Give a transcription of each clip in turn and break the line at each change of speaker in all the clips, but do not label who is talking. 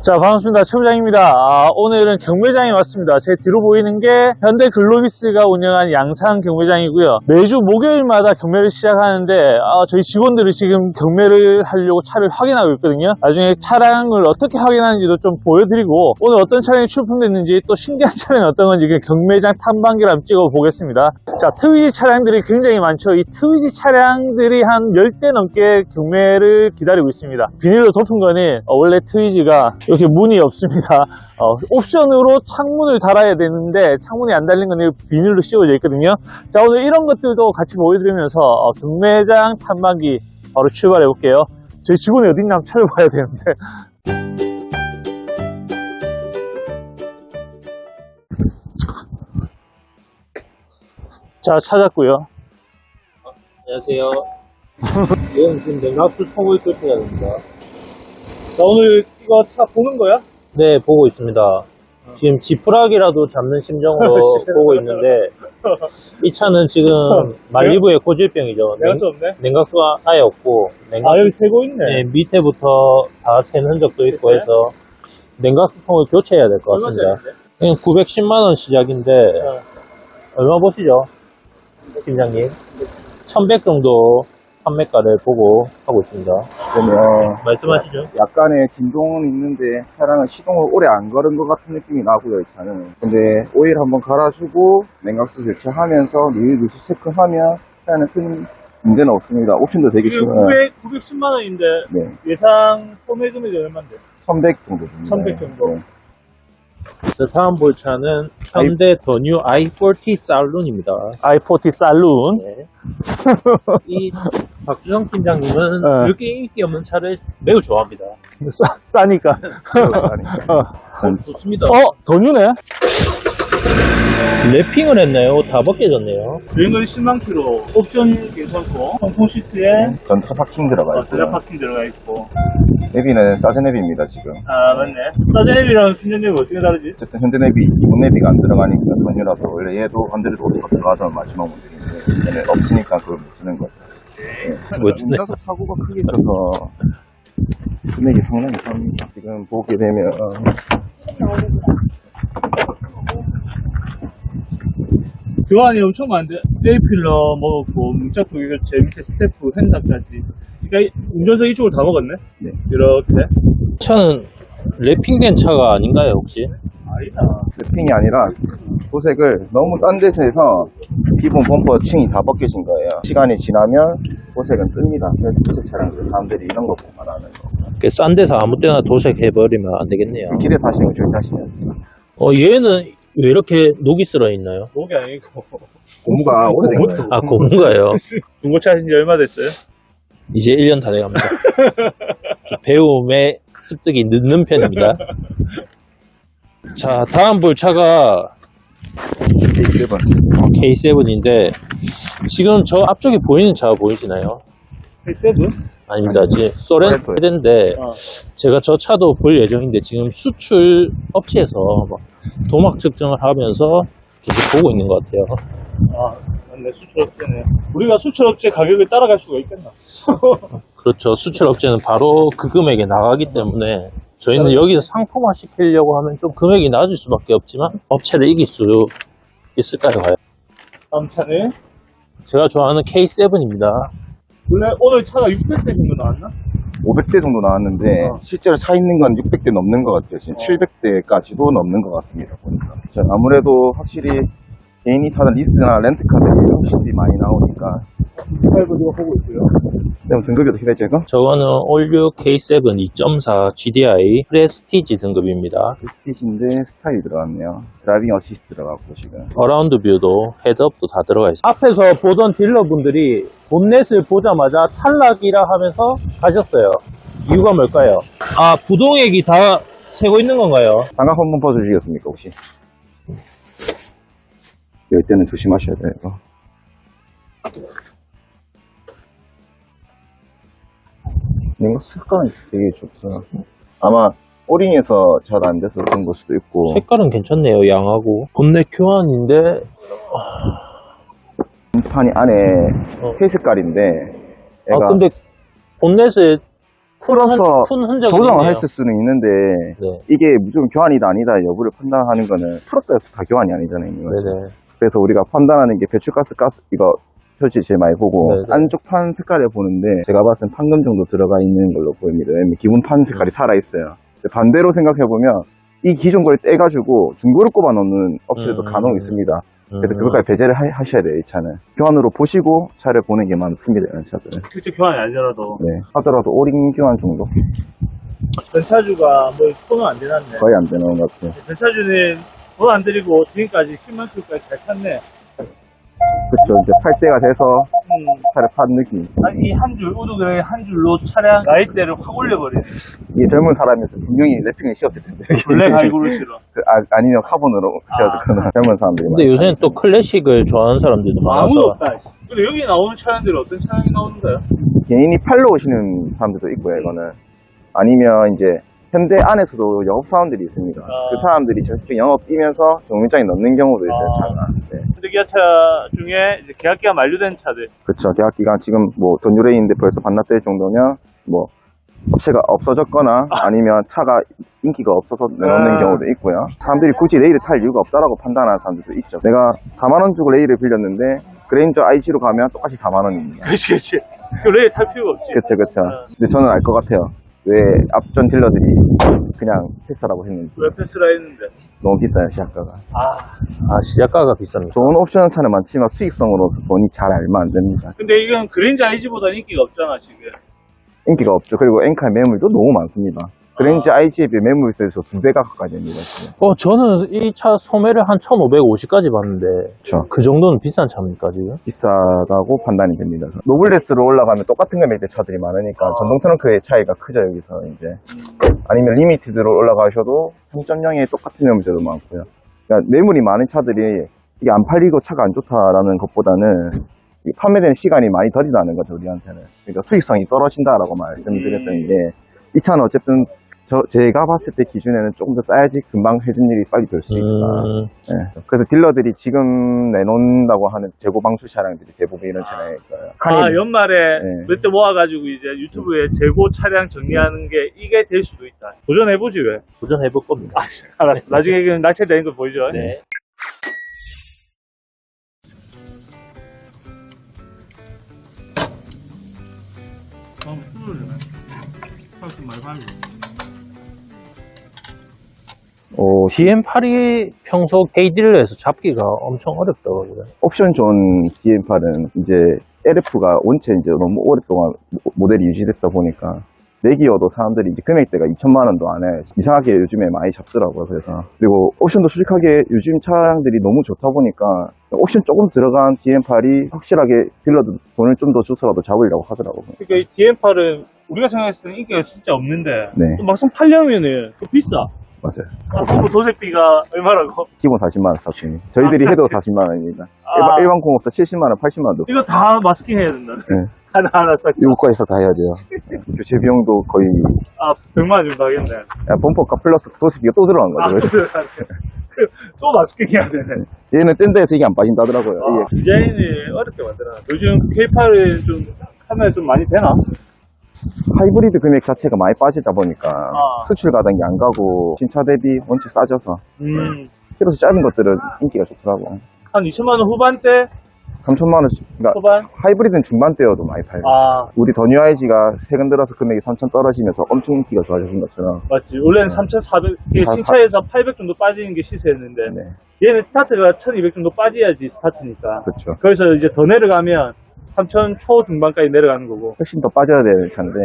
자, 반갑습니다. 최 부장입니다. 오늘은 경매장에 왔습니다. 제 뒤로 보이는 게 현대 글로비스가 운영한 양산 경매장이고요. 매주 목요일마다 경매를 시작하는데 저희 직원들이 지금 경매를 하려고 차를 확인하고 있거든요. 나중에 차량을 어떻게 확인하는지도 좀 보여드리고, 오늘 어떤 차량이 출품됐는지, 또 신기한 차량이 어떤 건지 경매장 탐방기를 한번 찍어보겠습니다. 자, 트위지 차량들이 굉장히 많죠. 이 트위지 차량들이 한 10대 넘게 경매를 기다리고 있습니다. 비닐로 덮은 거는 원래 트위지가 이렇게 문이 없습니다. 옵션으로 창문을 달아야 되는데 창문이 안 달린 건 비닐로 씌워져 있거든요. 자, 오늘 이런 것들도 같이 보여드리면서 경매장 탐방기 바로 출발해 볼게요. 저희 직원이 어딘가 한번 찾아봐야 되는데. 자, 찾았고요.
안녕하세요. 이건 지금 냉각수 통을 교체해야 됩니다.
자, 오늘 이거 차 보는 거야?
네, 보고 있습니다. 지금 지푸라기라도 잡는 심정으로 보고 있는데, 이 차는 지금 말리부의 고질병이죠.
냉각수 없네?
냉각수가 아예 없고,
여기 새고 있네.
네, 밑에부터 다 샌 흔적도 있고 해서 냉각수 통을 교체해야 될 것 같습니다. 910만원 시작인데, 얼마 보시죠? 팀장님. 1100 정도 판매가를 보고 하고 있습니다.
보면
말씀하시죠.
약간의 진동은 있는데 차량은 시동을 오래 안 걸은 것 같은 느낌이 나고요, 이 차는. 근데 오일 한번 갈아주고 냉각수 교체하면서 누수 체크하면 차량은 큰 문제는 없습니다. 옵션도 되게
지금
쉬워요.
910만 원인데
네,
예상 소매 금액이 얼마인데?
1100 정도 됩니다.
1100 정도.
네.
다음 볼 차는 현대 더 뉴 i40 살룬입니다.
i40 살룬.
네. 이 박주성 팀장님은
네.
그렇게 인기 없는 차를 매우 좋아합니다.
싸니까.
좋습니다.
더 뉴네?
랩핑을 했나요? 다 벗겨졌네요.
주행거리 10만 킬로, 옵션 괜찮고, 통풍 시트에
전차 파킹 들어가
전자
있고요.
파킹 들어가 있고.
내비는 사제 내비입니다, 지금.
맞네. 사제ネ비랑 순전ネ비 어떻게 다르지?
어쨌든 현대 내비, 이번 내비가 안 들어가니까 전유라서 원래 얘도 안드로이드 오토가 들어가던 마지막 모델인데 얘는 없으니까 그걸 못 쓰는 거죠.
멋지네.
혼자서 사고가 크게 있어서 금액이 상당히 쌉니다. 지금 보게 되면
교환이 엄청 많은데, 에이필러 먹었고, 문짝도 교체, 밑에 스태프, 핸다까지. 그러니까 운전석 이쪽을 다 먹었네?
네.
이렇게.
차는 랩핑된 차가 아닌가요, 혹시?
아니다.
랩핑이 아니라 도색을 너무 싼 데서 해서 기본 범퍼 층이 다 벗겨진 거예요. 시간이 지나면 도색은 뜹니다. 그래서 도색 차량들 사람들이 이런 거 보고 말하는 거.
싼 데서 아무 때나 도색해버리면 안 되겠네요.
길에 사시는 거 조심하시면 됩니다.
얘는 왜 이렇게 녹이 쓸어 있나요?
목이 아니고.
고무가 오래된 거예요.
아, 고무가요?
중고차 하신 지 얼마 됐어요?
이제 1년 다 돼갑니다. 배움에 습득이 늦는 편입니다. 자, 다음 볼 차가 K7인데, 지금 저 앞쪽에 보이는 차 보이시나요?
K7?
아닙니다. 지금 소렌토인데, 제가 저 차도 볼 예정인데, 지금 수출 업체에서 막 도막 측정을 하면서 계속 보고 있는 것 같아요.
맞네. 수출업체네. 우리가 수출업체 가격을 따라갈 수가 있겠나?
그렇죠. 수출 업체는 바로 그 금액에 나가기 때문에, 저희는 여기서 상품화 시키려고 하면 좀 금액이 낮을 수밖에 없지만, 업체를 이길 수 있을까요, 과연?
다음 차는?
제가 좋아하는 K7입니다.
원래 오늘 차가 600대 정도 나왔나?
500대 정도 나왔는데 실제로 차 있는 건 600대 넘는 것 같아요. 지금 700대까지도 넘는 것 같습니다. 보니까. 아무래도 확실히 개인이 타는 리스나 렌트카들이 확실히 많이 나오니까.
팔고 누가 보고 있고요.
그럼 등급이 어떻게 되죠, 이거?
저거는 올류 K7 2.4 GDI 프레스티지 등급입니다.
프레스티지인데 스타일이 들어갔네요. 드라이빙 어시스트 들어갔고 지금.
어라운드 뷰도 헤드업도 다 들어가 있습니다.
앞에서 보던 딜러분들이 본넷을 보자마자 탈락이라 하면서 가셨어요. 이유가 뭘까요?
부동액이 다 새고 있는 건가요?
장갑 한번 벗어주시겠습니까, 혹시? 열 때는 조심하셔야 돼요. 이거. 뭔가 색감이 되게 좋구나. 아마 오링에서 잘 안 돼서 그런 걸 수도 있고.
색깔은 괜찮네요. 양하고. 본넷 교환인데
판이 안에 회 색깔인데.
근데 본넷에
풀어서
푼 흔적이
조정을
있네요.
했을 수는 있는데
네.
이게 무조건 교환이다 아니다 여부를 판단하는 거는 풀었다 해서 다 교환이 아니잖아요. 이거.
네네.
그래서 우리가 판단하는 게 배출가스 이거 표시 제일 많이 보고
네네.
안쪽 판 색깔을 보는데 제가 봤을 땐 판금 정도 들어가 있는 걸로 보입니다. 왜냐면 기본 판 색깔이 살아있어요. 반대로 생각해보면 이 기존 걸 떼가지고 중고를 꼽아 놓는 업체도 간혹 있습니다. 그래서 그것까지 배제를 하셔야 돼요. 이 차는 교환으로 보시고 차를 보는 게 많습니다. 이런 차들은.
실제 교환이 아니더라도
네. 하더라도 오링 교환 정도
전차주가 뭐 손은 안 대놨네.
거의 안 되는 것 같아요.
전차주는 돈 안 들이고 지금까지 10만 킬로까지 잘 탔네.
그쵸. 이제 팔 때가 돼서 차를 판 느낌.
이 한 줄, 우드그레이 한 줄로 차량 나이대를 확 올려버리네.
이게 젊은 사람이어서 분명히 래핑을 씌웠을 텐데.
블랙 하이브를 실어.
아니면 카본으로 씌워주거나 젊은 사람들이.
근데 요새는 또 클래식을 좋아하는 사람들도 많아서.
아무도 없다. 씨. 근데 여기 나오는 차량들은 어떤 차량이 나오는가요?
개인이 팔로 오시는 사람들도 있고요, 이거는. 아니면 이제 현대 안에서도 영업사원들이 있습니다. 그 사람들이 저쪽 영업 뛰면서 경매장에 넣는 경우도 있어요, 차가. 네.
현대기아차 중에 이제 계약기가 만료된 차들.
그쵸. 계약기간 지금 뭐 돈유레인인데 벌써 반납될 정도면 뭐 업체가 없어졌거나 아니면 차가 인기가 없어서 내놓는 경우도 있고요. 사람들이 굳이 레일을 탈 이유가 없다라고 판단하는 사람들도 있죠. 내가 4만원 주고 레일을 빌렸는데 그레인저 IG로 가면 똑같이 4만원입니다.
그렇지. 그 레일 탈 필요가 없지.
그쵸. 근데 저는 알 것 같아요. 왜 앞전 딜러들이 그냥 패스라고 했는지.
왜 패스라 했는데.
너무 비싸요, 시작가가.
시작가가 비쌉니다.
좋은 옵션 차는 많지만 수익성으로서 돈이 잘 알면 안 됩니다.
근데 이건 그랜저 IG보다 인기가 없잖아, 지금.
인기가 없죠. 그리고 엔칼 매물도 너무 많습니다. 그랜저 IG에 비해 매물세에서 2배가 가까이 됩니다. 지금.
저는 이 차 소매를 한 1,550까지 봤는데.
그렇죠.
그 정도는 비싼 차입니까, 지금?
비싸다고 판단이 됩니다. 노블레스로 올라가면 똑같은 금액대 차들이 많으니까 전동 트렁크의 차이가 크죠, 여기서 이제. 아니면 리미티드로 올라가셔도 3.0에 똑같은 매물세도 많고요. 그러니까 매물이 많은 차들이 이게 안 팔리고 차가 안 좋다라는 것보다는 이 판매되는 시간이 많이 덜 나는 거죠, 우리한테는. 그러니까 수익성이 떨어진다라고 말씀드렸던 게, 이 차는 어쨌든 제가 봤을 때 기준에는 조금 더 싸야지 금방 해준 일이 빨리 될 수 있다. 네. 그래서 딜러들이 지금 내놓는다고 하는 재고 방출 차량들이 대부분 이런 차량일 거예요.
연말에
네.
몇 대 모아가지고 이제 유튜브에 재고 차량 정리하는 게 이게 될 수도 있다. 도전해보지, 왜?
도전해볼 겁니다.
알았어. 나중에 그 낙찰되는 거 보여줘.
네. GM8이 평소 K딜러에서 잡기가 엄청 어렵다고 그래요.
옵션 존 DM8은 이제 LF가 원체 이제 너무 오랫동안 모델이 유지됐다 보니까 내기어도 사람들이 이제 금액대가 2천만 원도 안 해. 이상하게 요즘에 많이 잡더라고요. 그래서. 그리고 옵션도 솔직하게 요즘 차량들이 너무 좋다 보니까 옵션 조금 들어간 DM8이 확실하게 딜러도 돈을 좀 더 주서라도 잡으려고 하더라고요.
그러니까 이 DM8은 우리가 생각했을 때는 인기가 진짜 없는데
네.
또 막상 팔려면은 또 비싸.
맞아요.
도색비가 얼마라고?
기본 40만 원 샀습니다. 저희들이 해도 40만 원입니다. 일반 공업사 70만 원, 80만 원도.
이거 다 마스킹 해야 된다.
네.
하나 싹.
이거까지 다 해야 돼요. 교체 비용도 거의
100만 원 정도 하겠네.
범퍼가 플러스 도색비가 또 들어간 거죠.
또 마스킹 해야 되네.
얘는 뗀 데에서 이게 안 빠진다더라고요. 이게.
디자인을 어렵게 만들어. 요즘 K8은 좀 카메라 좀 많이 되나?
하이브리드 금액 자체가 많이 빠지다 보니까 수출 가당이 안 가고 신차 대비 원체 싸져서 키로수 짧은 것들은 인기가 좋더라고.
한 2천만 원 후반대?
3천만 원, 그러니까
후반?
하이브리드는 중반대여도 많이 팔고. 우리 더 뉴 IG가 최근 들어서 금액이 3천 떨어지면서 엄청 인기가 좋아진 것처럼.
맞지. 원래는 3,400, 신차에서 800 정도 빠지는 게 시세였는데
네.
얘는 스타트가 1,200 정도 빠져야지 스타트니까.
그렇죠.
거기서 이제 더 내려가면 3천 초중반까지 내려가는 거고.
훨씬 더 빠져야 되는 차인데.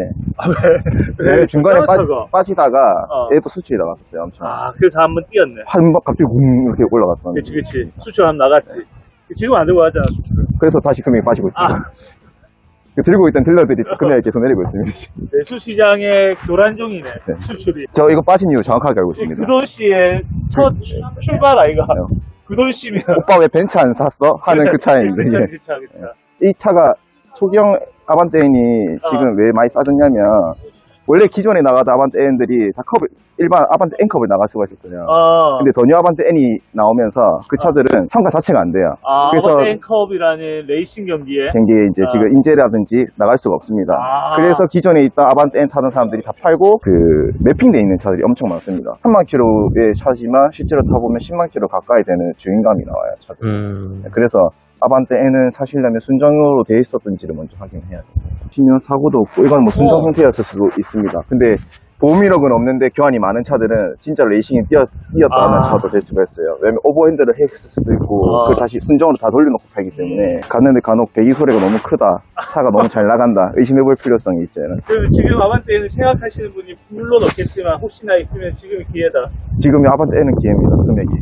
왜?
중간에
차가.
빠지다가 얘도 수출이 나갔었어요, 엄청.
그래서 한번 뛰었네.
한 번 갑자기 웅 이렇게 올라갔던.
그치. 수출 한번 나갔지. 지금 안 들고 가잖아, 수출을.
그래서 다시 금액이 빠지고 있죠. 들고 있던 딜러들이 금액이 계속 내리고 있습니다.
내수시장의 교란종이네, 수출이.
저 이거 빠진 이유 정확하게 알고 있습니다.
그돈 씨의 첫 출발 아이가. 그돈 씨면.
오빠 왜 벤츠 안 샀어? 하는 그 차인데.
그 차.
이 차가 초기형 아반떼인이 지금 왜 많이 싸졌냐면 원래 기존에 나가던 아반떼 N들이 다 일반 아반떼 N컵을 나갈 수가 있었어요. 근데 더 뉴 아반떼 N이 나오면서 그 차들은 참가 자체가 안 돼요. 그래서
아반떼컵이라는 레이싱 경기에
경기에 이제 지금 인제라든지 나갈 수가 없습니다. 그래서 기존에 있던 아반떼 N 타던 사람들이 다 팔고 그 매핑되어 있는 차들이 엄청 많습니다. 3만 킬로의 차지만 실제로 타보면 10만 킬로 가까이 되는 주행감이 나와요, 차들. 그래서 아반떼 N은 사시려면 순정으로 되어 있었던지를 먼저 확인해야 돼요. 치면 사고도 없고 이건 뭐 순정 상태였을 수도 있습니다. 근데 보험이력은 없는데 교환이 많은 차들은 진짜 레이싱에 뛰었다는 차도 될 수가 있어요. 왜냐면 오버핸드를 했을 수도 있고 그걸 다시 순정으로 다 돌려놓고 팔기 때문에 갔는데 간혹 배기 소리가 너무 크다, 차가 너무 잘 나간다, 의심해볼 필요성이 있죠.
그럼 지금 아반떼는 생각하시는 분이 물론 없겠지만 혹시나 있으면 지금이 기회다.
지금 아반떼 N은 기회입니다, 금액이.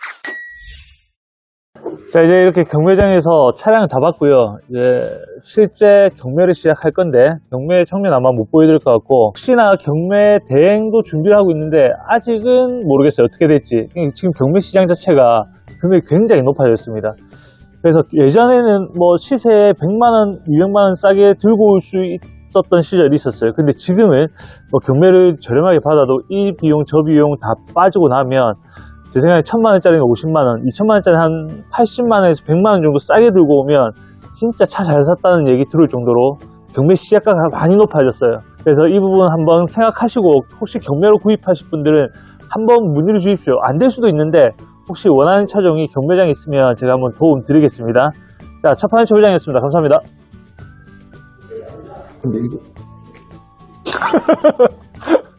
자, 이제 이렇게 경매장에서 차량을 다 봤고요. 이제 실제 경매를 시작할 건데 경매 장면 아마 못 보여드릴 것 같고, 혹시나 경매 대행도 준비를 하고 있는데 아직은 모르겠어요, 어떻게 될지. 지금 경매 시장 자체가 금액이 굉장히 높아졌습니다. 그래서 예전에는 뭐 시세에 100만원, 200만원 싸게 들고 올 수 있었던 시절이 있었어요. 근데 지금은 뭐 경매를 저렴하게 받아도 이 비용 저 비용 다 빠지고 나면 제 생각에 1000만원짜리는 50만원, 2000만원짜리 한 80만원에서 100만원 정도 싸게 들고 오면 진짜 차 잘 샀다는 얘기 들을 정도로 경매 시작가가 많이 높아졌어요. 그래서 이 부분 한번 생각하시고, 혹시 경매로 구입하실 분들은 한번 문의를 주십시오. 안 될 수도 있는데 혹시 원하는 차종이 경매장에 있으면 제가 한번 도움 드리겠습니다. 자, 첫판의 초보장이었습니다. 감사합니다.
근데 이거